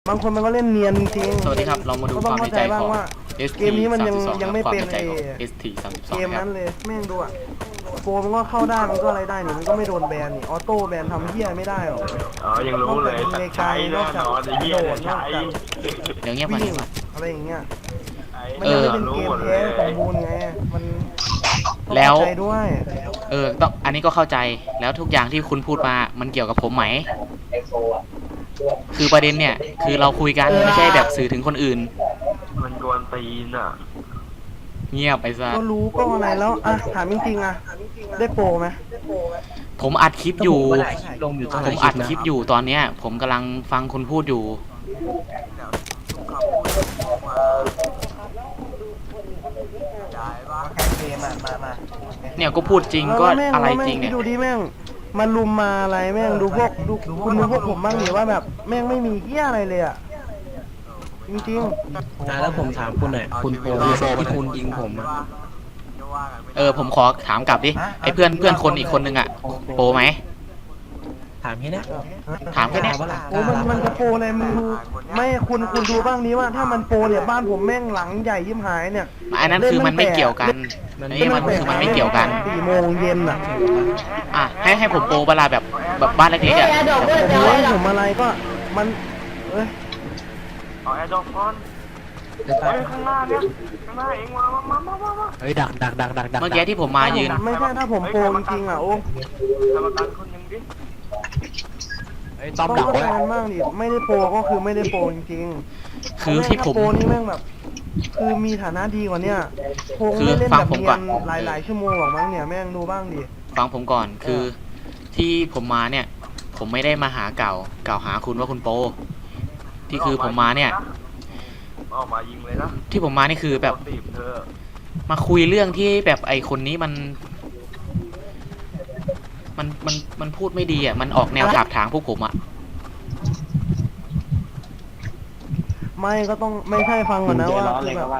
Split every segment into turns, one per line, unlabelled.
บางคนมันก็เล่นเนียนจริง
สวัสดีครับเรามาดูความในใจของ ST
เกมนี้มันยัง
32
ไม่เป็น
ความในใจของ
ไอ้
ST
เกม
32ครั
นั้
บ
นเลยแม่งดูอ่ะโปรมันก็เข้าได้มันก็อะไรได้นี่มันก็ไม่โดนแบนนี่ออโต้แบนทำเหี้ยไม่ได้หรอก
อ๋อยังรู้เลยแต่ใช้แน่นอนไอ้เหี้ยเนี่ยใช้
เดี๋ยวเงียบก่อน
วิ่
ดี
ง
กว่า
อะไรอย่างเงี้ยมัน
เอ
ยัง
อ
ไม่เป็นเกมแท้สมบูรณ์ไงมันต้อง
แล้ว
เข้าใจด้วย
ต้องอันนี้ก็เข้าใจแล้วทุกอย่างที่คุณพูดมามันเกี่ยวกับผมไหมคือประเด็นเนี่ยคือเราคุยกันไม่ใช่แบบสื่อถึงคนอื่น
มันกวนตีนอ่ะ
เงียบไปซะ
ก็รู้ก็อะไรแล้วอ่ะถามจริงๆอ่ะได้โปรไหม
ผมอัดคลิปอยู่
ลงอยู่ตอน
ผมอัดคลิปอยู่ตอนเนี้ยผมกำลังฟังคุณพูดอยู่ เนี่ยก็พูดจริงก็อะไรจริงเนี่ย
ดูดิแม่งมันลุมมาอะไรแม่งดูพวกดูคุณดูพวกผมบ้างดิว่าแบบแม่งไม่มีเหี้ยอะไรเลยอ่ะจริง
แล้วผมถามคุณหน่อยคุณโปรที่คุณยิงผมอะ
ผมขอถามกลับดิไอ้เพื่อนคนอีกคนนึงอะโปรไหม
ถามแค่นี้
ถามแค่เนี้ย
ๆโอ้มันจะโปรอะไรมึงดูไม่คุณดูบ้างนี้ว่าถ้ามันโปรเนี่ยบ้านผมแม่งหลังใหญ่ยิ้มหายเนี่ย
อันนั้นคือมันไม่เกี่ยวกันอันนี้มันคือมันไม่เกี่ยวกัน
4 โมงเย็นอ่ะ
อ่ะให้ผมโปรเวลาแบบบ้านเล็กๆอะ
ผมไล่ผมอะไรก็มันเอ้ย
เอาแอร์ดรอปก่อนเฮ้ยข้างหน้าเนี่ยข้างหน้าเองมา
เฮ้ยดัก
เมื่อกี้ที่ผมมายืน
ไม่ใช่ถ้าผมโปรจริงๆอ่ะโอ้
กรรมการคนยังดิ
ต้อม
ต้อง
ดัก
เข้า
ไว้
ใจกันบ้างดิไม่ได้โปรก็คือไม่ได้โปรจริงๆ
คือที่ผม
โปรนี่แม่งแบบ คือมีฐานะดีกว่าเนี่ยโปร
คือ
ไม่เล่น
ฟั
แบ
ง
บ
ผม
เนี
ก่
ย
อน
นหลายชั่วโมงหรอกมั้งเนี่ยแม่งดูบ้างดิ
ฟังผมก่อนคือที่ผมมาเนี่ย ผมไม่ได้มาหากล่าวหาคุณว่าคุณโปรที่คือผมมาเนี่ย
ออกมายิงเลยนะ
ที่ผมมานี่คือแบบ
ตีบเธอ
มาคุยเรื่องที่แบบไอคนนี้มันพูดไม่ดีอ่ะมันออกแนวถากถางพวกผมอ่ะ
ไม่ก็ต้องไม่ใช่ฟังก่อนนะว่าคือแบบ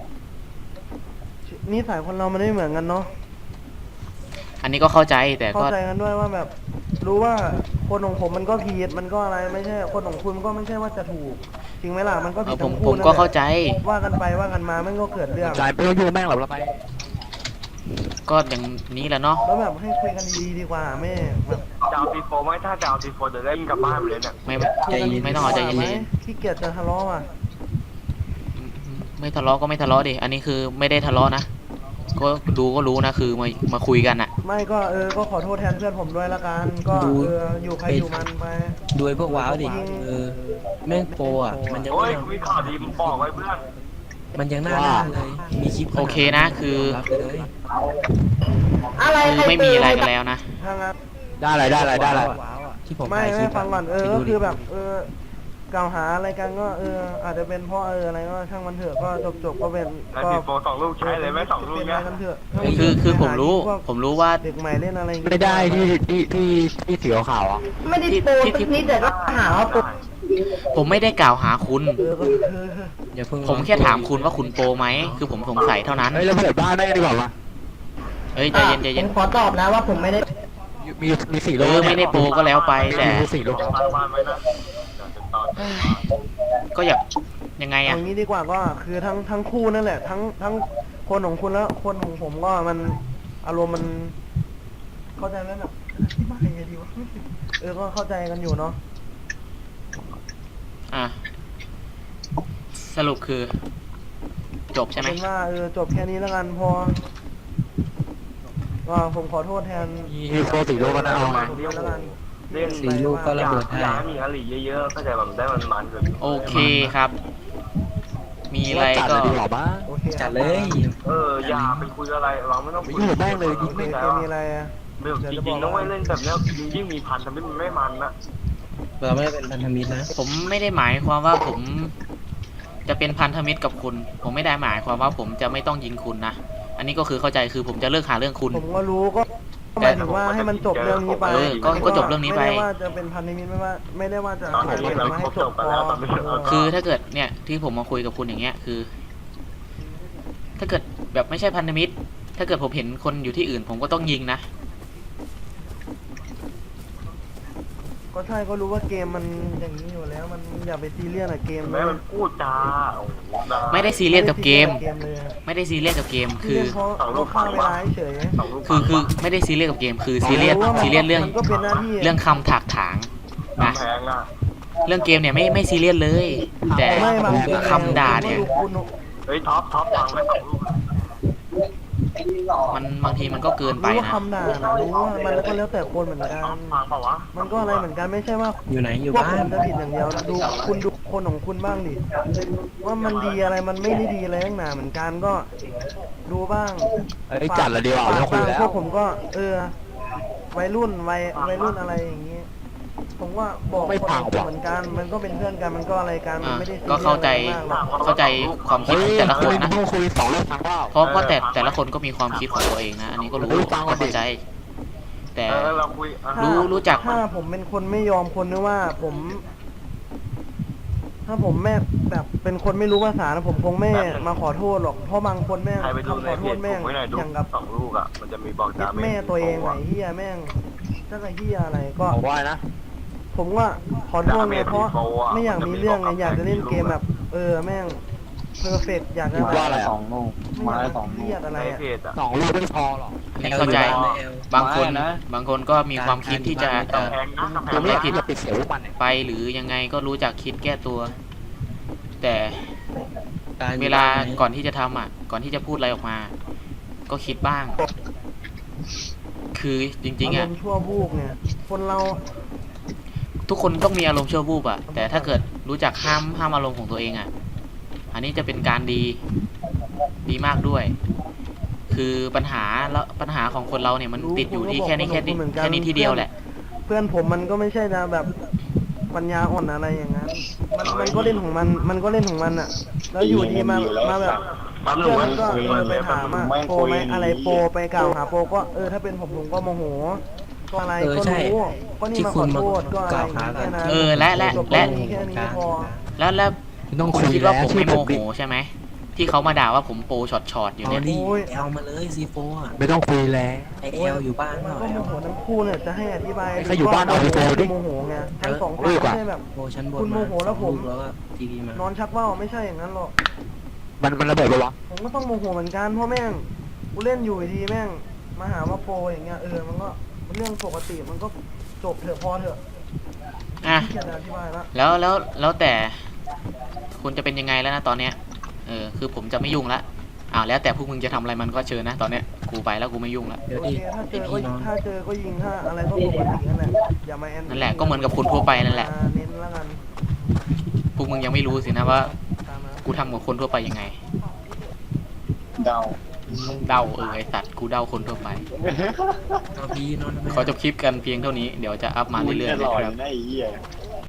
นิสัยคนเรามันไม่เหมือนกันเนาะ
อันนี้ก็เข้าใจแต่
เข้า
ก็
ใจกันด้วยว่าแบบ รู้ว่าคนของผมมันก็ผิดมันก็อะไรไม่ใช่คนของคุณก็ไม่ใช่ว่าจะถูกจริงไหมล่ะมันก็ผิด
ผ
ทั้
ม
ง
ผ
คู่
ม
นั่น
ก็
แหละ
เข้าใจ
ว่ากันไปว่ากันมามันก็เกิดเรื่อง
จ่ายไม่ต้องยุ่งแม่งหรอกเราไป
ก็อย่างนี้แหละเนาะ
แล้วแบบให้คุยกันดีๆดีกว่าไม่แบบ
จะเอาตีโฟไหมถ้าจะเอาตีโฟเดี๋ยวได้ยิงกลับบ้านไปเลยเนี่ย
ไม่ต้องเอาใจเย็น
ขี้เกียจจะทะเลาะอ่ะ
ๆไม่ทะเลาะก็ไม่ทะเลาะดิอันนี้คือไม่ได้ทะเลาะนะก็ดูก็รู้นะคือมาคุยกันอ่ะ
ไม่ก็ก็ขอโทษแทนเพื่อนผมด้วยละกันก็อยู่ใครอยู่มันไป
ดูไอ้พวกว้าวดิแม่งโปรอ่ะมันยัง
โอ้ยมีข่าวดีมึงบอกไว้เพื่อน
มันยังหน้าเลยมีคลิป
โอเคนะคือ
รับไปเลย
คือไม่มีอะไรกันแล้วนะ
ถ้างั้น
ได้อะไรที่ผม
ไม่ฟังก่อนก็คือแบบกล่าวหาอะไรกันก็อาจจะเป็นเพราะอะไรก็ช่างมันเถอะก็จบก็เป็น
แล้ว
ก็
ตีโฟ2 ลูกใช้เลยไหม2 ลูก
เป็น
เนี่ย
อะไรกันเถอะ
คือผมรู้ว่า
เด็กใหม่เล่นอะไร
ไม่ได้ที่สีขาวอ่ะ
ไม่ได้โปรสักนิดแต่ก็หาว่าโปร
ผมไม่ได้กล่าวหาคุณ
ก็
อย่าเพิ่ง
ผมแค่ถามคุณว่าคุณโปรไหมคือผมสงสัยเท่านั้น
เฮ้ยเราเปิดบ้านได้ดีกว่าปะ
เอ้ยใจเย็นใจ
ผ
เย็น
มขอตอบนะว่าผมไม่ได้
มีสี่ลูก
ไม่ได้โปรก็แล้วไปแต่
มีสี่ลูก
ฟังบ้านไว้นะเดี๋ยวจะต่อ
ก็อยากยังไง
อ
อ่ะ
ย่างนี้ดีกว่าก็คือทั้งคู่นั่นแหละทั้งคนของคุณแล้วคนของผมก็มันอารมณ์มันเข้าใจไหมแบบที่บ้านยังไงดีวะก็เข้าใจกันอยู่เนาะ
อ่ะสรุปคือ จบใช่ไหม
เป็นว่าจบแค่นี้แล้วกันพอก็ผมขอโทษแทน
มีโปรสี่ลูกก็ได้เอา
ผมด้วยแล้วกัน
เล่น
สี่ลูกก็ระเบิดให้
อยากให้มีอลีเยอะๆก็จะแบบได้มันๆแบบ
โอเคครับ มีอะไร
จัด
ก็
เลยดีกว่าบ้า
โอเค
จัดเลย
อย่าไปคุยอะไรเราไม่ต้องคุย
ยุ่งกับแม่งเลย
โอเคมีอะไรอ่ะ
เรื่องจริงๆนะเว้ยเล่นแบบเนี้ยยิ่งมีพันทำให้มันไม่มันนะ
เราไม่ได้เป็นพันธมิตรนะ
ผมไม่ได้หมายความว่าผม จะเป็นพันธมิตรกับคุณ ผมไม่ได้หมายความว่าผมจะไม่ต้องยิงคุณนะอันนี้ก็คือเข้าใจคือผมจะเลิกหาเรื่องคุณ
ผมก็รู้ก็หมายถึงว่าให้มันจบเรื่องนี้ไป
ก็จบเรื่องนี้ไป
ไม่ได้ว่าจะเป็นพันธมิตรไม่ได้ว่าจะ
ตอนนี้เรา
มาให้
ครบ
จ
จ
บบ
กัน
พอ
แล้วตอนนี้
คือถ้าเกิดเนี่ยที่ผมมาคุยกับคุณอย่างเงี้ยคือ ถ้าเกิดแบบไม่ใช่พันธมิตร ถ้าเกิดผมเห็นคนอยู่ที่อื่น ผมก็ต้องยิงนะ
ก็ใช่ก็รู้ว่าเกมมันอย่างนี้อยู่แล้วมันอย่าไปซีเรียสอะเกม
แม่มันพูดจาโอ้โหด่า
ไม่ได้ซีเรียสกับเกม
เลยอะ
ไม่ได้ซีเรียสกับเกม
คือ
คือ
เขาฆ่าเวลาเฉย
สองลูก
คือไม่ได้ซีเรียสกับเกม คือซีเรียสเรื่อง
มันก็เป็นหน้าที่
เรื่องคำถากถางนะ
แพงอ่ะ
เรื่องเกมเนี่ยไม่ซีเรียสเลย แต่
ไม่บาง
คำด่าเนี่ย
เฮ้ยท็อปวางไว้สองลูก
มันบางทีมันก็เกินไป
รู้ว่า
นะ
คำด่านะรู้ว่ามันก็แล้วแต่คนเหมือนกัน
ท็อปวางเปล่าวะ
มันก็อะไรเหมือนกันไม่ใช่ว่า
อยู่ไหนอยู่
พวก
บ้า
ผ
น
มจะผิดอย่างเดียวนะดูคุณดูคนของคุณบ้างดิว่ามันดีอะไรมันไม่ได้ดีอะไรทั้งหนาเหมือนกันก็ดูบ้าง
เอ้ยจัดละดีกว่าไม่ต้องคุยแล้ว
พวกผมก็วัยรุ่นอะไรอย่างนี้ ผมว่าบอก
ไม่
คน
พัง
ของ
หรอก
เหมือนกันมันก็เป็นเพื่อนกันมันก็อะไรกันมันไม่ได้ซี
ก็
รียส
เข้าใจ
อะไรมากหรอก
เข้าใจความคิด
เฮ้ย
ของแต่ละคน
ไม่
นะ
ต้องคุย2 เรื่องฟังเปล่า
เพราะแต่ละคนก็มีความคิดของตัวเองนะ อันนี้ก็รู้
เฮ้ยฟังก่อนดิ
เข้าใจ แต่
เราคุย
รู้จัก
ถ้าผมเป็นคนไม่ยอมคนนึกว่าผม ถ้าผมแม่แบบเป็นคนไม่รู้ภาษานะผมคงไม่มาขอโทษหรอกเพราะบางคนแม่ง
ใครไปดู
คำ
ใน
ขอ
เพ
โทษ
จ
แม่ง
ผมไว้หน่อยดู
อย่างกับ
สองลูกอ่ะมันจะมีบอก
เย็
ดา
ด
เมจ
แม่ตัวเองไหนเฮียแม่งจะไอ้เฮียอะไรก็
บอกว่านะ
ผมว่าขอโทษไงเพราะไม่อยากมีเรื่องไงอยากจะเล่นเกมแบบแม่งเพอร์เฟกอยากจะ
ว่าอะไร
สองโมง
ไม่อยากเครียดอะไร
ใน
อะ
เพจอ่ะ
2 ลูกไม่พอหรอก
อันนี้เข้าใจ บางคนบางคนก็มีความคิดที่จะ
แพงนะกำแพ
กู
ง
ไม่
นะ
อยากคิดจะปิดเสียงพวกมันเนี่ย
ไปหรือยังไงก็รู้จักคิดแก้ตัว แต่
การ
เวลาก่อนที่จะทำอ่ะ ก่อนที่จะพูดอะไรออกมา ก็คิดบ้าง คือจริงๆ
อา
อ่ะ
รมณ์ชั่ววูบเนี่ย คนเรา
ทุกคนต้องมีอารมณ์ชั่ววูบอ่ะ แต่ถ้าเกิดรู้จักห้ามอารมณ์ของตัวเองอ่ะ อันนี้จะเป็นการดีมากด้วย คือปัญหาของคนเราเนี่ยมันติดอยู่ที่แค่นี้ที่เดียวแหละ
เพื่อนผมมันก็ไม่ใช่นะแบบปัญญาอ่อนอะไรอย่างนั้นมันก็เล่นของมันก็เล่นของมันอ่ะ แล้วอยู่ดีมาแบบเพื่อนมันก็ไปถามอ่ะโปรไหมอะไรโปรไปกล่าวหาโปรก็ถ้าเป็นผมก็โมโหก็อะไรก็รู้ก็นี่
ที่
มาข
คุ
อ
ณมา
โทษก็อะไร
กล่าวหากั
แค่
น
นั้น
และ
จบแค่นี้พอ
แล้ว
ไม่ต้อง
คุ
คุ
ณ
ย
คิด
แล้
ว่าว ผมไม่โม
ดิ
โหใช่ไหมที่เขามาด่าว่าผมโปรช็อตอยู่
เอา
เนี่ย
ดิเอามาเลยซีโฟอ่ะ
ไม่ต้องคุยแล้ว
ไอเอลอยู่บ้านเป
มัน
ล่า
ก็โมโหทั้งคู่เนี่ยจะให้อธิบาย
ใครอยู่บ้านเอาไปโทรดิ
โมโหไงทั้งสองคนไม่ใช่แบบ
โมชั้นบน
คุณโมโหแล้วผม
แล้วก็ทีวีมาน
อนชักว่าวไม่ใช่อย่างนั้นหรอก
มันระเบิดปะวะ
ผมก็ต้องโมโหเหมือนกันเพราะแม่งกูเล่นอยู่ดีแม่งมาหาว่าโปรอย่างเงี้ยมันก็เป็นเรื่องปกติมันก็จบเถอะพอเถอะ
อ่ะ
ที่จะอธิบายละ
แล้วแต่คุณจะเป็นยังไงแล้วนะตอนเนี้ยคือผมจะไม่ยุ่งละแล้วแต่พวกมึงจะทำอะไรมันก็เชิญนะตอนเนี้ยกูไปแล้วกูไม่ยุ่งละ
เดี๋ยว
โอ
ดิ
เคถ้าเจ
ไอ
อก็
พี่น้อง
ถ้าเจอก็ยิงถ้าอะไรก็ปกตินั่นแหละอย่ามาแอน
นั่นแหละก็เหมือนกับคนทั่วไปนั่นแหละ
เน้นแล้วกัน
พวกมึงยังไม่รู้สินะว่า
ตามนั้น
กูทำกับคนทั่วไปยังไง
เดา
เดาไอสัตว์กูเดาคนทั่วไป
เอาพี่นอนทำไม
ขอจบคลิปกันเพียงเท่านี้เดี๋ยวจะอัพมาเรื่อยๆ
ต
นะ
ลอด
ครับ
นะไอ้เหี้ย